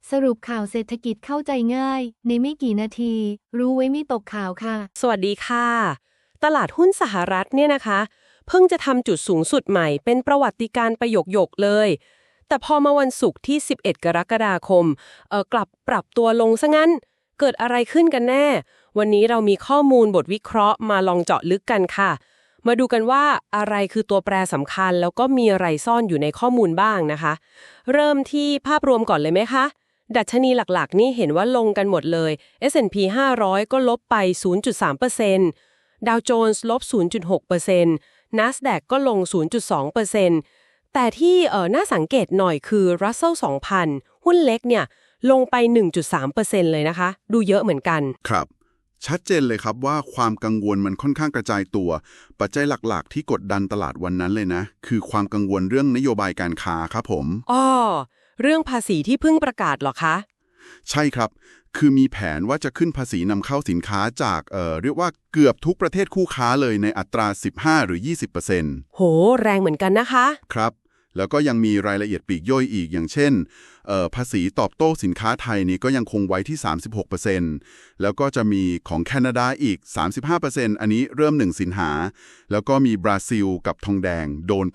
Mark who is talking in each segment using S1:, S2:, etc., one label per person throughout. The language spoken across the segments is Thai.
S1: สรุปข่าวเศรษฐกิจเข้าใจง่ายในไม่กี่นาทีรู้ไว้ไม่ตกข่าวค่ะ
S2: สวัสดีค่ะตลาดหุ้นสหรัฐเนี่ยนะคะเพิ่งจะทำจุดสูงสุดใหม่เป็นประวัติการณ์ประโยคเลยแต่พอมาวันศุกร์ที่11กรกฎาคมกลับปรับตัวลงซะงั้นเกิดอะไรขึ้นกันแน่วันนี้เรามีข้อมูลบทวิเคราะห์มาลองเจาะลึกกันค่ะมาดูกันว่าอะไรคือตัวแปรสำคัญแล้วก็มีอะไรซ่อนอยู่ในข้อมูลบ้างนะคะเริ่มที่ภาพรวมก่อนเลยไหมคะดัชนีหลักๆนี่เห็นว่าลงกันหมดเลย S&P 500 ก็ลบไป 0.3%ดาวโจนส์ลบ 0.6% NASDAQ ก็ลง 0.2%แต่ที่น่าสังเกตหน่อยคือ Russell 2000 หุ้นเล็กเนี่ยลงไป 1.3% เลยนะคะดูเยอะเหมือนกัน
S3: ครับชัดเจนเลยครับว่าความกังวลมันค่อนข้างกระจายตัวปัจจัยหลักๆที่กดดันตลาดวันนั้นเลยนะคือความกังวลเรื่องนโยบายการค้าครับผม
S2: อ้อเรื่องภาษีที่เพิ่งประกาศเหรอคะ
S3: ใช่ครับคือมีแผนว่าจะขึ้นภาษีนำเข้าสินค้าจากเรียกว่าเกือบทุกประเทศคู่ค้าเลยในอัตรา 15 หรือ 20%
S2: โหแรงเหมือนกันนะคะ
S3: ครับแล้วก็ยังมีรายละเอียดปลีกย่อยอีกอย่างเช่นภาษีตอบโต้สินค้าไทยนี่ก็ยังคงไว้ที่ 36% แล้วก็จะมีของแคนาดาอีก 35% อันนี้เริ่ม1สิงหาแล้วก็มีบราซิลกับทองแดงโดนไป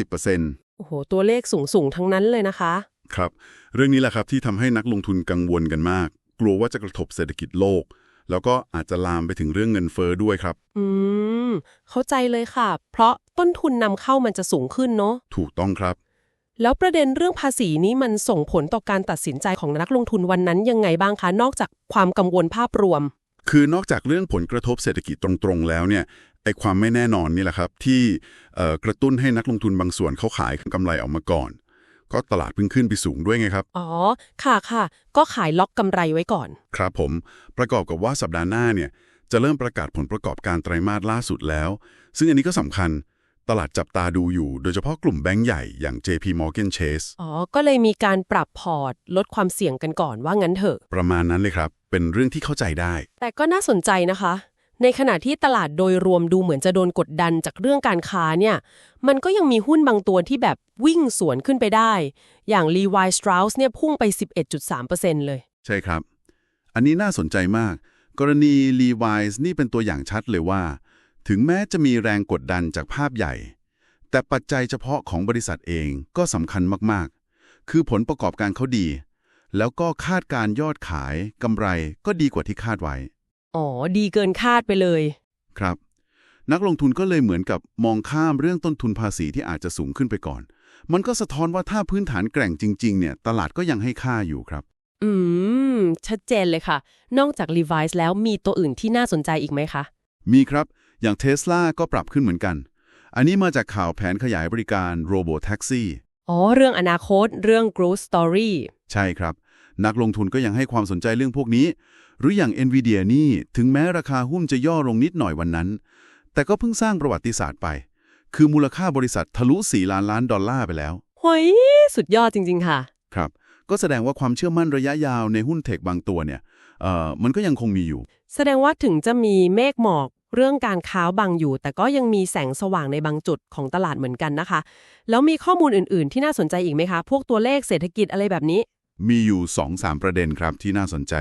S3: 50%
S2: โอ้โหตัวเลขสูงทั้งนั้นเลยนะคะ
S3: ครับเรื่องนี้แหละครับที่ทำให้นักลงทุนกังวลกันมากกลัวว่าจะกระทบเศรษฐกิจโลกแล้วก็อาจจะลามไปถึงเรื่องเงินเฟ้อด้วยครับ
S2: เข้าใจเลยค่ะเพราะต้นทุนนำเข้ามันจะสูงขึ้นเนาะ
S3: ถูกต้องครับ
S2: แล้วประเด็นเรื่องภาษีนี้มันส่งผลต่อการตัดสินใจของนักลงทุนวันนั้นยังไงบ้างคะนอกจากความกังวลภาพรวม
S3: คือนอกจากเรื่องผลกระทบเศรษฐกิจตรงๆแล้วเนี่ยไอ้ความไม่แน่นอนนี่แหละครับที่กระตุ้นให้นักลงทุนบางส่วนเขาขายกำไรออกมาก่อนก็ตลาดเพิ่งขึ้นไปสูงด้วยไงครับ
S2: อ๋อค่ะก็ขายล็อกกำไรไว้ก่อน
S3: ครับผมประกอบกับว่าสัปดาห์หน้าเนี่ยจะเริ่มประกาศผลประกอบการไตรมาสล่าสุดแล้วซึ่งอันนี้ก็สำคัญตลาดจับตาดูอยู่โดยเฉพาะกลุ่มแบงก์ใหญ่อย่าง JP Morgan Chase
S2: อ๋อก็เลยมีการปรับพอร์ตลดความเสี่ยงกันก่อนว่างั้นเถอะ
S3: ประมาณนั้นเลยครับเป็นเรื่องที่เข้าใจได้
S2: แต่ก็น่าสนใจนะคะในขณะที่ตลาดโดยรวมดูเหมือนจะโดนกดดันจากเรื่องการค้าเนี่ยมันก็ยังมีหุ้นบางตัวที่แบบวิ่งสวนขึ้นไปได้อย่าง Levi Strauss เนี่ยพุ่งไป 11.3% เลย
S3: ใช่ครับอันนี้น่าสนใจมากกรณี Levi's นี่เป็นตัวอย่างชัดเลยว่าถึงแม้จะมีแรงกดดันจากภาพใหญ่แต่ปัจจัยเฉพาะของบริษัทเองก็สำคัญมากๆคือผลประกอบการเขาดีแล้วก็คาดการยอดขายกำไรก็ดีกว่าที่คาดไว้
S2: อ๋อดีเกินคาดไปเลย
S3: ครับนักลงทุนก็เลยเหมือนกับมองข้ามเรื่องต้นทุนภาษีที่อาจจะสูงขึ้นไปก่อนมันก็สะท้อนว่าถ้าพื้นฐานแกร่งจริงๆเนี่ยตลาดก็ยังให้ค่าอยู่ครับ
S2: ชัดเจนเลยค่ะนอกจาก Levi's แล้วมีตัวอื่นที่น่าสนใจอีกไหมคะ
S3: มีครับอย่าง Tesla ก็ปรับขึ้นเหมือนกันอันนี้มาจากข่าวแผนขยายบริการ Robo Taxi
S2: อ๋อเรื่องอนาคตเรื่อง growth story
S3: ใช่ครับนักลงทุนก็ยังให้ความสนใจเรื่องพวกนี้หรืออย่าง Nvidia นี่ถึงแม้ราคาหุ้นจะย่อลงนิดหน่อยวันนั้นแต่ก็เพิ่งสร้างประวัติศาสตร์ไปคือมูลค่าบริษัททะลุ4 ล้านล้านดอลลาร์ไปแล้ว
S2: เฮ้ยสุดยอดจริงๆค่ะ
S3: ครับก็แสดงว่าความเชื่อมั่นระยะยาวในหุ้นเทคบางตัวเนี่ยมันก็ยังคงมีอยู่
S2: แสดงว่าถึงจะมีเมฆหมอกเรื่องการค้าบังอยู่แต่ก็ยังมีแสงสว่างในบางจุดของตลาดเหมือนกันนะคะแล้วมีข้อมูลอื่นๆที่น่าสนใจอีกไหมคะพวกตัวเลขเศรษฐกิจอะไรแบบนี้
S3: มีอยู่ 2-3 ประเด็นครับที่น่าสนใจ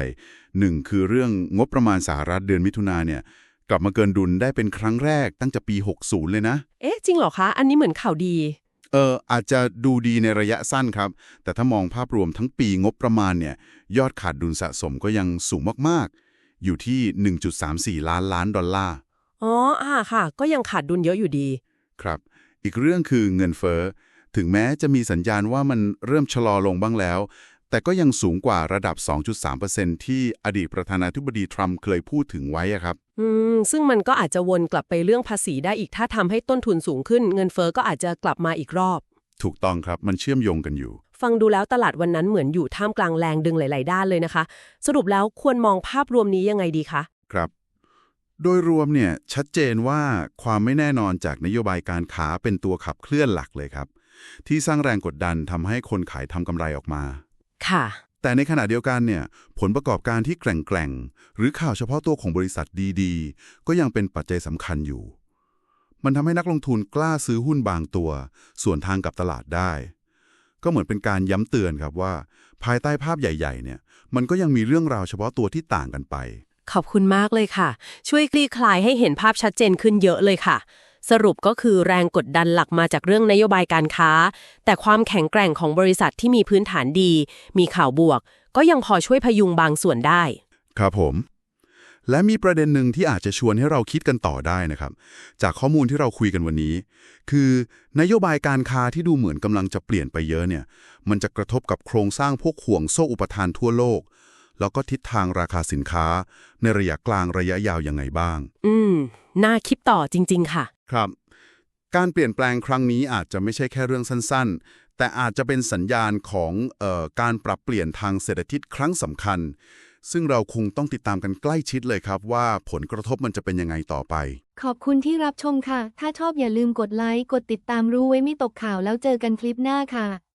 S3: 1คือเรื่องงบประมาณสหรัฐเดือนมิถุนาเนี่ยกลับมาเกินดุลได้เป็นครั้งแรกตั้งแต่ปี60เลยนะ
S2: จริงเหรอคะอันนี้เหมือนข่าวดี
S3: อาจจะดูดีในระยะสั้นครับแต่ถ้ามองภาพรวมทั้งปีงบประมาณเนี่ยยอดขาดดุลสะสมก็ยังสูงมากๆอยู่ที่ 1.34 ล้านล้านดอลลาร์
S2: อ๋อค่ะก็ยังขาดดุลเยอะอยู่ดี
S3: ครับอีกเรื่องคือเงินเฟ้อถึงแม้จะมีสัญญาณว่ามันเริ่มชะลอลงบ้างแล้วแต่ก็ยังสูงกว่าระดับ 2.3% ที่อดีตประธานาธิบดีทรัมป์เคยพูดถึงไว้ครับ
S2: ซึ่งมันก็อาจจะวนกลับไปเรื่องภาษีได้อีกถ้าทำให้ต้นทุนสูงขึ้นเงินเฟ้อก็อาจจะกลับมาอีกรอบ
S3: ถูกต้องครับมันเชื่อมโยงกันอยู่
S2: ฟังดูแล้วตลาดวันนั้นเหมือนอยู่ท่ามกลางแรงดึงหลายๆด้านเลยนะคะสรุปแล้วควรมองภาพรวมนี้ยังไงดีคะ
S3: ครับโดยรวมเนี่ยชัดเจนว่าความไม่แน่นอนจากนโยบายการค้าเป็นตัวขับเคลื่อนหลักเลยครับที่สร้างแรงกดดันทำให้คนขายทำกำไรออกมา
S2: ค่ะ
S3: แต่ในขณะเดียวกันเนี่ยผลประกอบการที่แกร่งๆหรือข่าวเฉพาะตัวของบริษัทดีๆก็ยังเป็นปัจจัยสำคัญอยู่มันทำให้นักลงทุนกล้าซื้อหุ้นบางตัวส่วนทางกับตลาดได้ก็เหมือนเป็นการย้ำเตือนครับว่าภายใต้ภาพใหญ่ๆเนี่ยมันก็ยังมีเรื่องราวเฉพาะตัวที่ต่างกันไป
S2: ขอบคุณมากเลยค่ะช่วยคลี่คลายให้เห็นภาพชัดเจนขึ้นเยอะเลยค่ะสรุปก็คือแรงกดดันหลักมาจากเรื่องนโยบายการค้าแต่ความแข็งแกร่งของบริษัทที่มีพื้นฐานดีมีข่าวบวกก็ยังพอช่วยพยุงบางส่วนได้
S3: ครับผมและมีประเด็นหนึ่งที่อาจจะชวนให้เราคิดกันต่อได้นะครับจากข้อมูลที่เราคุยกันวันนี้คือนโยบายการค้าที่ดูเหมือนกำลังจะเปลี่ยนไปเยอะเนี่ยมันจะกระทบกับโครงสร้างพวกห่วงโซ่อุปทานทั่วโลกแล้วก็ทิศทางราคาสินค้าในระยะกลางระยะยาวยังไงบ้าง
S2: น่าคิดต่อจริงๆค่ะ
S3: ครับการเปลี่ยนแปลงครั้งนี้อาจจะไม่ใช่แค่เรื่องสั้นๆแต่อาจจะเป็นสัญญาณของการปรับเปลี่ยนทางเศรษฐกิจครั้งสำคัญซึ่งเราคงต้องติดตามกันใกล้ชิดเลยครับว่าผลกระทบมันจะเป็นยังไงต่อไป
S1: ขอบคุณที่รับชมค่ะถ้าชอบอย่าลืมกดไลค์กดติดตามรู้ไว้ไม่ตกข่าวแล้วเจอกันคลิปหน้าค่ะ